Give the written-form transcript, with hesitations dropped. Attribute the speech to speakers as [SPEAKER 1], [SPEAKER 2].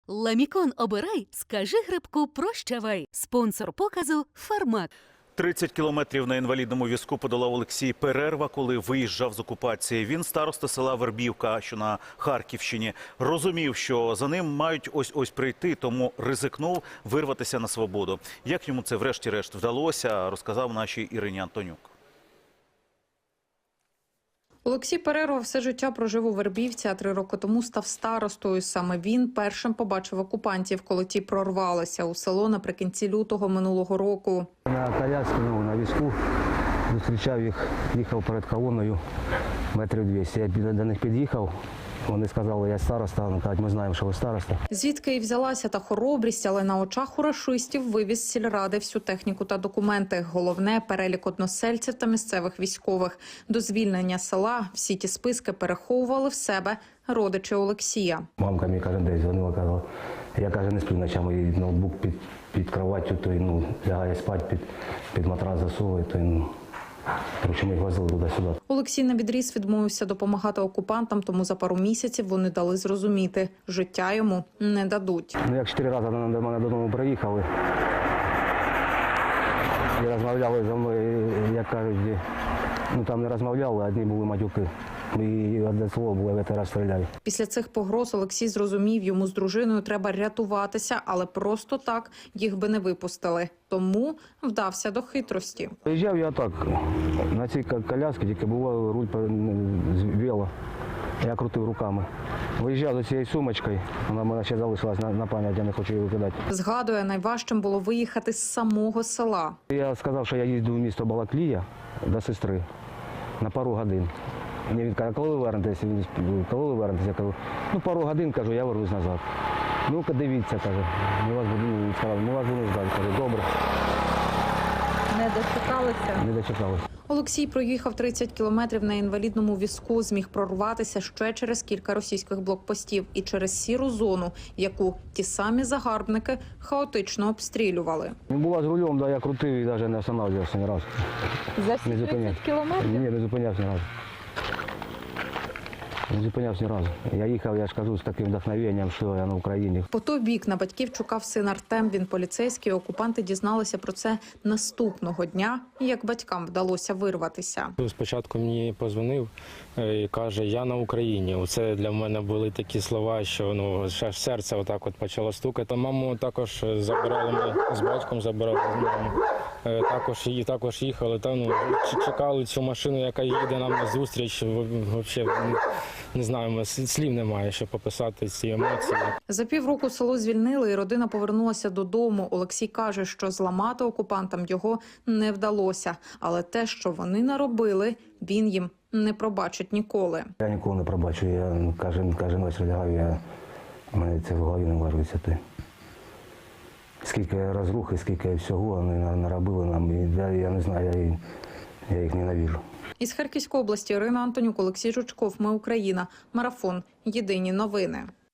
[SPEAKER 1] Ламікон обирай, скажи грибку прощавай. Спонсор показу «Фармак».
[SPEAKER 2] 30 кілометрів на інвалідному візку подолав Олексій Перерва, коли виїжджав з окупації. Він староста села Вербівка, що на Харківщині. Розумів, що за ним мають ось-ось прийти, тому ризикнув вирватися на свободу. Як йому це врешті-решт вдалося, розказав нашій Ірині Антонюк.
[SPEAKER 3] Олексій Перерва все життя прожив у Вербівці, а 3 роки тому став старостою. Саме він першим побачив окупантів, коли ті прорвалися у село наприкінці лютого минулого року.
[SPEAKER 4] На колясці, на візку, зустрічав їх, їхав перед колоною метрів 200. Я до них під'їхав, вони сказали, я староста, вони кажуть, ми знаємо, що ви староста.
[SPEAKER 3] Звідки і взялася та хоробрість, але на очах у рашистів вивіз з сільради всю техніку та документи. Головне – перелік односельців та місцевих військових. До звільнення села всі ті списки переховували в себе родичі Олексія.
[SPEAKER 4] Мамка мені кожен день дзвонила, казала, я, каже, не сплю ночами, і ноутбук під кроваттю, то лягає спати, під матрас засовує, то коротше, ми їх возили туди-сюди.
[SPEAKER 3] Олексій навідріз відмовився допомагати окупантам, тому за пару місяців вони дали зрозуміти – життя йому не дадуть.
[SPEAKER 4] Як 4 рази до мене додому приїхали і розмовляли зі мною, як кажуть, там не розмовляли, одні були матюки. І одне слово було, я тебе розстріляю.
[SPEAKER 3] Після цих погроз Олексій зрозумів, йому з дружиною треба рятуватися, але просто так їх би не випустили. Тому вдався до хитрості.
[SPEAKER 4] Приїжджав я так, на цій колясці, тільки була руль вела. Я крутив руками. Виїжджав за цією сумочкою, вона в мене ще залишилась на пам'ять, я не хочу її викидати.
[SPEAKER 3] Згадує, найважчим було виїхати з самого села.
[SPEAKER 4] Я сказав, що я їздив в місто Балаклія до сестри на пару годин. Він каже, коли ви вернетеся? Коли ви вернетеся? Я кажу, пару годин, кажу, я вернусь назад. Ну-ка, дивіться, каже, ми вас будемо ждати. Кажу, добре.
[SPEAKER 3] Не дочекалися?
[SPEAKER 4] Не дочекалися.
[SPEAKER 3] Олексій проїхав 30 кілометрів на інвалідному візку, зміг прорватися ще через кілька російських блокпостів і через сіру зону, яку ті самі загарбники хаотично обстрілювали.
[SPEAKER 4] Була з рулем, я крутив і навіть не останавливався ні разу.
[SPEAKER 3] За 30 кілометрів?
[SPEAKER 4] Ні, не зупинявся ні разу. Не зупинявся ні разу. Я їхав, я ж кажу, з таким вдохновенням, що я на Україні.
[SPEAKER 3] По той бік на батьків чекав син Артем, він поліцейський. Окупанти дізналися про це наступного дня, як батькам вдалося вирватися.
[SPEAKER 5] Спочатку мені подзвонив і каже, я на Україні. Це для мене були такі слова, що серце отак от почало стукати. Маму також забирали, ми з батьком забирали маму. Також їхали, чекали цю машину, яка їде нам на зустріч. Взагалі, не знаю, слів немає, щоб описати ці емоції.
[SPEAKER 3] За півроку село звільнили і родина повернулася додому. Олексій каже, що зламати окупантам його не вдалося. Але те, що вони наробили, він їм не пробачить ніколи.
[SPEAKER 4] Я ніколи не пробачу, я кожен вечір лягаю, в мене це в голові не варюється. Скільки розрухи, скільки всього вони наробили нам, я не знаю, я їх ненавижу.
[SPEAKER 3] Із Харківської області Ірина Антонюк, Олексій Жучков. Ми Україна. Марафон. Єдині новини.